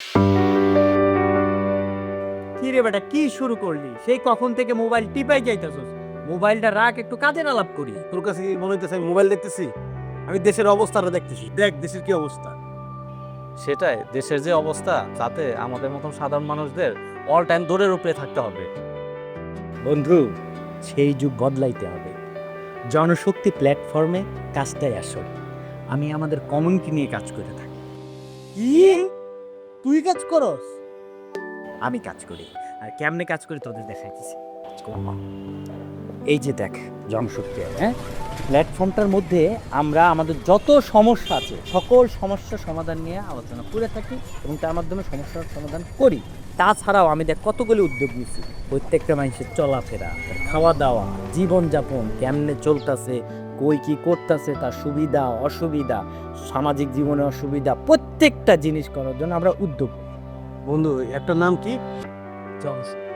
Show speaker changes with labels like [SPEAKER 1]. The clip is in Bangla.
[SPEAKER 1] কি রে বেটা, কি শুরু করলি? সেই কখন থেকে মোবাইল টিপাই যাইতাছস। মোবাইলটা রাখ, একটু কাজের আলাপ করি।
[SPEAKER 2] তোর কাছে কি মনে হইতেছে আমি মোবাইল দেখতেছি? আমি দেশের অবস্থাটা দেখতেছি। দেখ দেশের কি অবস্থা।
[SPEAKER 3] সেটাই, দেশের যে অবস্থা তাতে আমাদের মতন সাধারণ মানুষদের অল টাইম দৌড়ের উপরে থাকতে হবে।
[SPEAKER 1] বন্ধু, সেই যুগ বদলাইতে হবে। জনশক্তি প্ল্যাটফর্মে কাজটাই আসল। আমি আমাদের কমিউনিটি নিয়ে কাজ করে থাকি।
[SPEAKER 2] কি তুই কাজ করস?
[SPEAKER 1] আমি কাজ করি, আর কেমনে কাজ করি তোদের দেখাইতেছি। এই যে দেখ, জনশক্তি, হ্যাঁ, প্ল্যাটফর্মটার মধ্যে আমরা আমাদের যত সমস্যা আছে সকল সমস্যার সমাধান নিয়ে আলোচনা করে থাকি এবং তার মাধ্যমে সমস্যার সমাধান করি। তাছাড়াও আমি দেখ কতগুলি উদ্যোগ নিয়েছি। প্রত্যেকটা মানুষের চলাফেরা, তার খাওয়া দাওয়া, জীবনযাপন কেমনে চলতেছে, কই কি করতেছে, তার সুবিধা অসুবিধা, সামাজিক জীবনে অসুবিধা, প্রত্যেকটা জিনিস করার জন্য আমরা উদ্যোগ।
[SPEAKER 2] বন্ধু একটা নাম কি?
[SPEAKER 1] জনশক্তি।